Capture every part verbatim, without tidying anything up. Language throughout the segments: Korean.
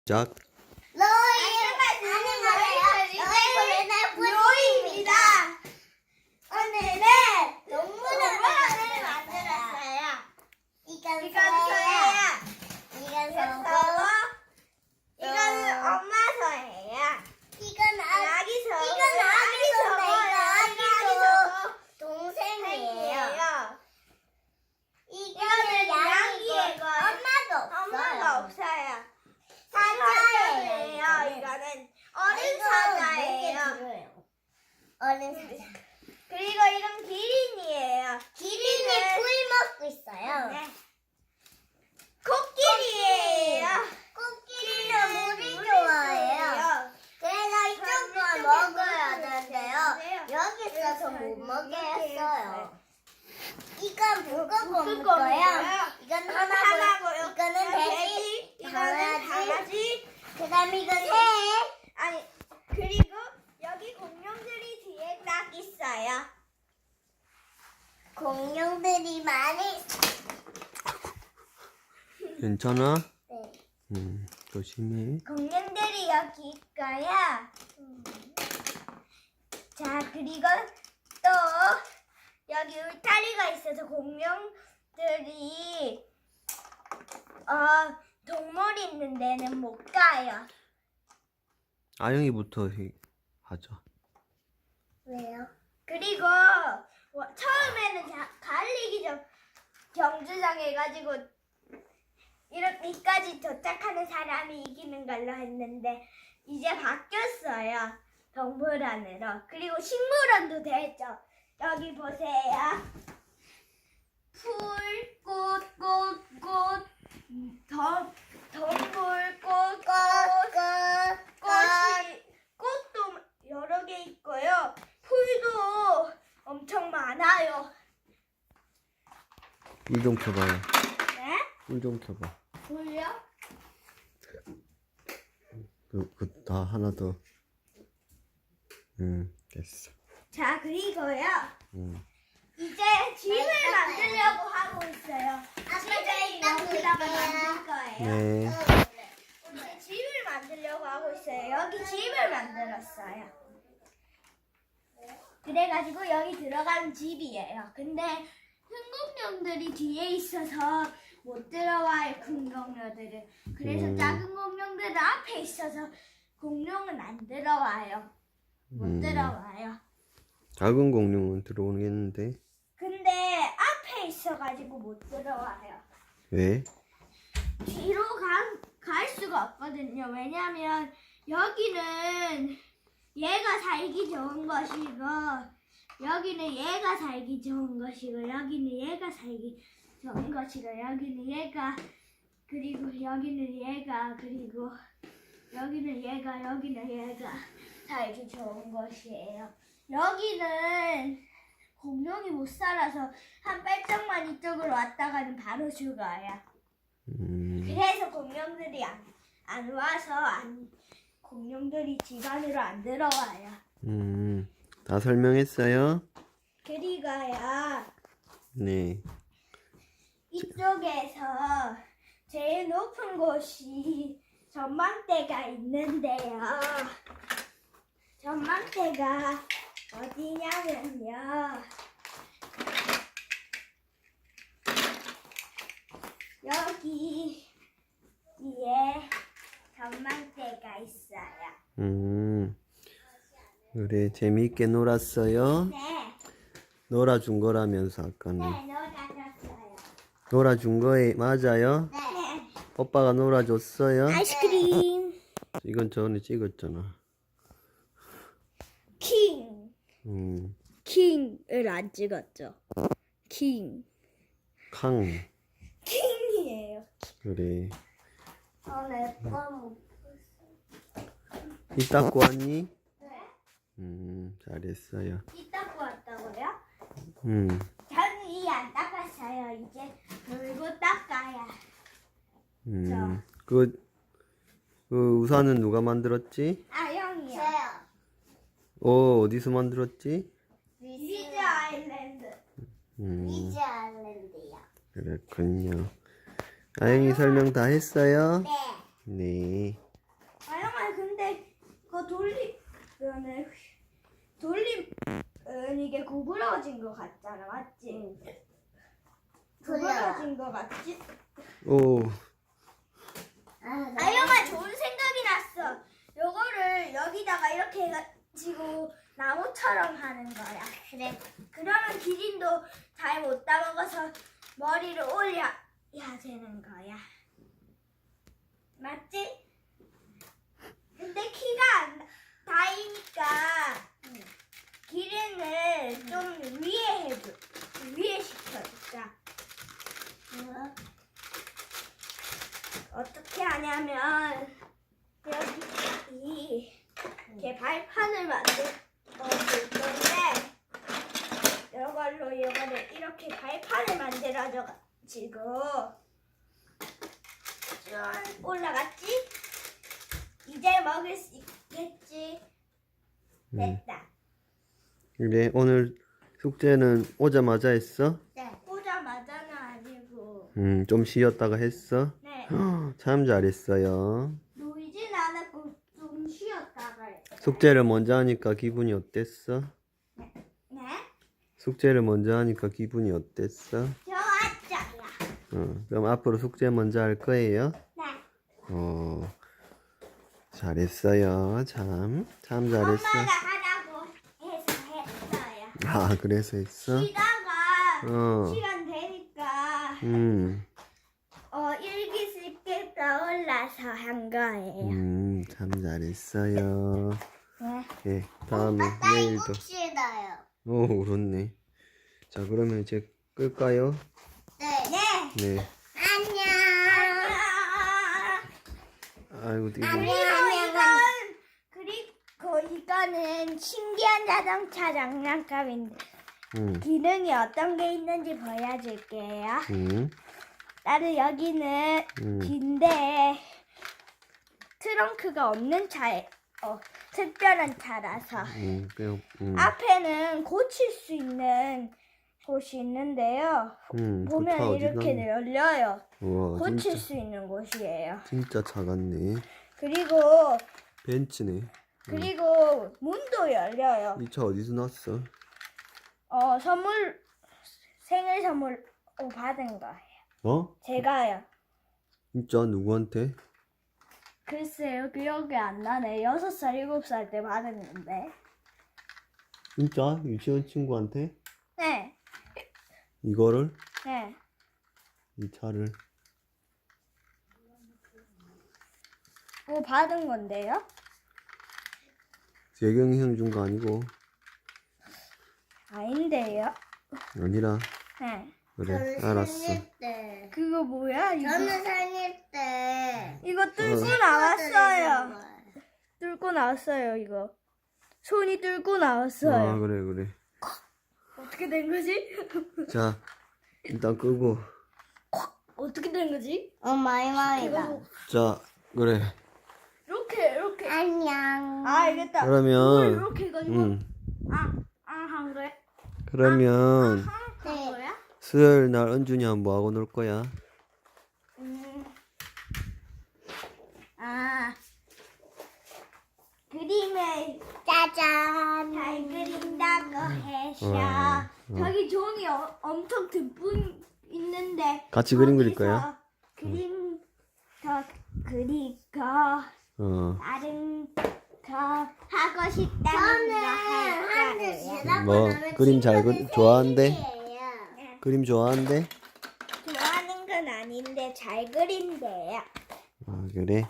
작. 로이 안녕하세요. 로이 로이입니다. 오늘은 동물원을 만들었어요. 이건 소야. 이건 소고. 이거는 엄마 소예요. 이건 아기 소. 이건 아기 소고. 아기 소 동생이에요. 이거는 양이고 엄마도 없어요. 엄마가 없어요. 사자예요. 이거는 어른 사자예요. 어른 사자. 그리고 이건 기린이에요. 기린이 풀 먹고 있어요. 네. 코끼리예요. 코끼리는 물이 좋아해요. 그래서 이쪽만 먹어야 되는데요. 여기 있어서 못 먹게 했어요. 이건 북극곰이고요. 이건 하나고요. 이거는 돼지. 이거는 강아지. 그다음에 이건 새. 아니 그리고 여기 공룡들이 뒤에 딱 있어요. 공룡들이 많이. 괜찮아? 네. 음, 조심해. 공룡들이 여기 있고요. 음. 자 그리고 또 여기 울타리가 있어서 공룡들이 어 동물 있는 데는 못 가요. 아영이부터 해- 하자. 왜요? 그리고 와, 처음에는 자, 갈리기 전 경주장 해가지고 이렇게까지 도착하는 사람이 이기는 걸로 했는데 이제 바뀌었어요. 동물원으로. 그리고 식물원도 됐죠. 여기 보세요. 풀, 꽃, 꽃, 꽃, 덤, 덤불, 꽃, 꽃, 꽃이, 꽃도 여러 개 있고요. 풀도 엄청 많아요. 불 좀 켜봐요. 네? 불 좀 켜봐. 풀요? 그, 그, 다 하나 더. 음, 됐어. 자, 그리고요. 음. 이제 집을 만들려고 하고 있어요. 집을 여기다가 만들 거예요. 네. 이제 집을 만들려고 하고 있어요. 여기 집을 만들었어요. 그래가지고 여기 들어가는 집이에요. 근데 큰 공룡들이 뒤에 있어서 못 들어와요. 큰 공룡들은. 그래서 음. 작은 공룡들은 앞에 있어서 공룡은 안 들어와요. 못 음. 들어와요. 작은 공룡은 들어오겠는데. 근데 앞에 있어가지고 못 들어와요. 왜? 뒤로 가, 갈 수가 없거든요. 왜냐면 여기는 얘가 살기 좋은 것이고 여기는 얘가 살기 좋은 것이고 여기는 얘가 살기 좋은 것이고 여기는 얘가 그리고 여기는 얘가 그리고 여기는 얘가 여기는 얘가 살기 좋은 것이에요. 여기는 공룡이 못 살아서 한 발짝만 이쪽으로 왔다가는 바로 죽어요. 음, 그래서 공룡들이 안, 안 와서 안, 공룡들이 집 안으로 안 들어와요. 음, 다 설명했어요? 그리고요 네. 이쪽에서 제일 높은 곳이 전망대가 있는데요. 전망대가 어디냐면요. 여기 위에 전망대가 있어요. 음, 그래, 재미있게 놀았어요? 네, 놀아준 거라면서, 네, 아까는. 놀아줬어요. 놀아준 거에, 맞아요? 네. 오빠가 놀아줬어요? 아이스크림. 이건 전에 찍었잖아. 킹. 음, 킹을 안 찍었죠. 킹. 캉. 킹이에요. 그래. 오늘 껌. 이 닦고 왔니? 네. 음, 잘했어요. 이 닦고 왔다고요? 음, 저는 이 안 닦았어요. 이제 물고 닦아야. 음. 그, 그 우산은 누가 만들었지? 아, 형이요. 저요. 어, 어디서 만들었지? 리즈 아일랜드. 음, 리즈 아일랜드요. 그렇군요. 아영이 설명 다 했어요? 네. 네. 오, 아영아 좋은 생각이 났어. 요거를 여기다가 이렇게 해가지고 나무처럼 하는 거야. 그래. 그러면 기린도 잘 못 따먹어서 머리를 올려야 되는 거야. 맞지? 근데 키가 안 다이니까 기린을 좀 위에 해줘. 위에 시켜주자. 어떻게 하냐면 여기 이렇게 발판을 만들 어, 줄 건데 이걸로 이거를 이렇게 발판을 만들어줘 가지고 쭉 올라갔지? 이제 먹을 수 있겠지? 됐다. 그래, 오늘 숙제는 오자마자 했어? 네. 오자마자는 아니고 음, 좀 쉬었다가 했어? 네. 참 잘했어요. 놀진 않았고 좀 쉬었다가 했어요. 숙제를 먼저 하니까 기분이 어땠어? 네? 숙제를 먼저 하니까 기분이 어땠어? 좋았어요. 어, 그럼 앞으로 숙제 먼저 할 거예요? 네. 어, 잘했어요. 참, 참 잘했어. 엄마가 하라고 해서 했어요. 아, 그래서 했어? 쉬다가 어, 시간 되니까 음, 어 일기 쓸게 떠올라서 한 거예요. 음, 참 잘했어요. 네. 예, 다음에 내일도. 싫어요. 오, 그렇네. 자, 그러면 이제 끌까요? 네. 네. 네. 안녕. 아이고, 이거. 그리고 이건 그리고 이거는 신기한 자동차 장난감인데 음, 기능이 어떤 게 있는지 보여줄게요. 음, 나는 여기는 음. 긴데 트렁크가 없는 차에 어, 특별한 차라서 음, 그냥, 음, 앞에는 고칠 수 있는 곳이 있는데요. 음, 보면 그 차 이렇게 어디가? 열려요. 우와, 고칠 진짜, 수 있는 곳이에요. 진짜 차 같네. 그리고 벤츠네. 그리고 문도 열려요. 이 차 어디서 났어? 어 선물 생일 선물 어, 받은 거예요. 어? 제가요. 진짜 누구한테? 글쎄요 기억이 안 나네. 여섯 살 일곱 살 때 받았는데. 진짜? 유치원 친구한테? 네. 이거를? 네. 이 차를? 뭐 받은 건데요? 재경이 형 준 거 아니고? 아닌데요? 아니라. 네. 그래, 알았어. 때. 그거 뭐야? 이거 저는 생일 때. 이거 뚫고 어. 나왔어요. 뚫고 나왔어요 이거. 손이 뚫고 나왔어요. 아, 그래, 그래. 어떻게 된 거지? 자, 일단 끄고. 어떻게 된 거지? 어, 마이마이다. 이거 자, 그래. 이렇게 이렇게. 안녕. 아 알겠다. 그러면, 이렇게 해가지고 음, 아아한 거야? 그러면, 한 네. 거야? 수요일 날 은준이랑 뭐 하고 놀 거야? 음. 아 그림을 짜잔. 잘 그린다고 해서 어, 어. 저기 종이 어, 엄청 듬뿍 있는데 같이 그림 그릴 거기서 거야? 그림 더 그리고 어, 다른 더 하고 싶다는 거 저는 할 한주 거예요. 지나고 뭐, 나면 그림 잘 그- 친구들 좋아한대? 생일이에요. 네. 그림 좋아한대? 좋아하는 건 아닌데 잘 그린대요. 아, 그래?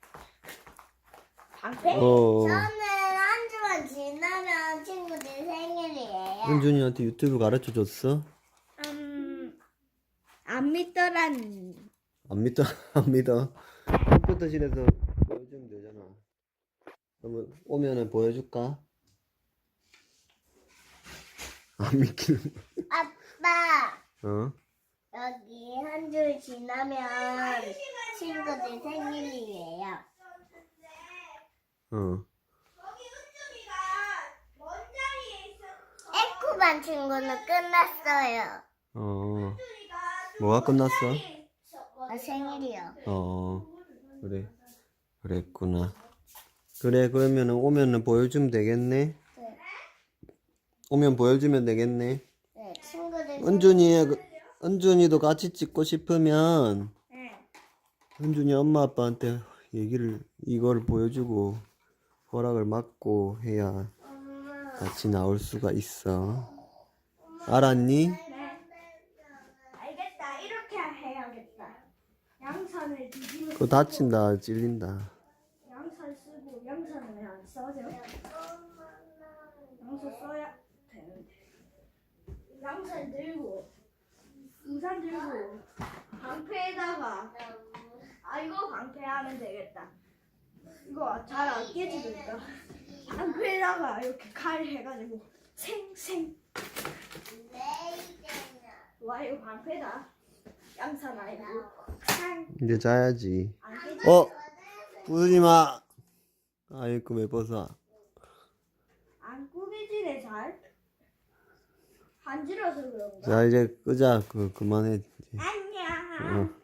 방패? 어, 저는 한 주만 지나면 친구들 생일이에요. 은준이한테 유튜브 가르쳐 줬어? 음, 안 믿더란. 안 믿어, 안 믿어. 컴퓨터실에서 보여주면 되잖아. 그러면 오면은 보여줄까? 안 믿기는. 아빠, 어? 여기 한 주 지나면 친구들 생일이에요. 어. 거기 은준이가 먼 자리에 있어. 에코반 친구는 끝났어요. 어. 은준이가 뭐가 끝났어? 자리에 있었거든요. 아, 생일이요. 어. 그래. 그랬구나. 그래, 그러면은 오면은 보여주면 되겠네? 네. 오면 보여주면 되겠네? 네, 친구들 은준이, 은준이도 같이 찍고 싶으면 네. 현준이 엄마 아빠한테 얘기를 이걸 보여주고 허락을 받고 해야 엄마. 같이 나올 수가 있어. 알았니? 네. 알겠다. 이렇게 해야겠다. 양손을 뒤집어. 그거 다친다, 찔린다. 양손 쓰고 양손은 왜 안 써져? 양손 써야 되는데. 양손 들고 우산 들고 방패에다가 아 이거 방패하면 되겠다. 이거 잘 안 깨지겠다. 방패에다가 이렇게 칼 해가지고 생생. 와 이거 방패다. 양손 아니고 상. 이제 자야지. 안 깨지. 어? 부수지 마. 아이고 왜 벗어? 안 꾸미지네 잘. 간지러서 그런가? 자 이제 끄자. 그 그만해. 이제. 안녕. 어.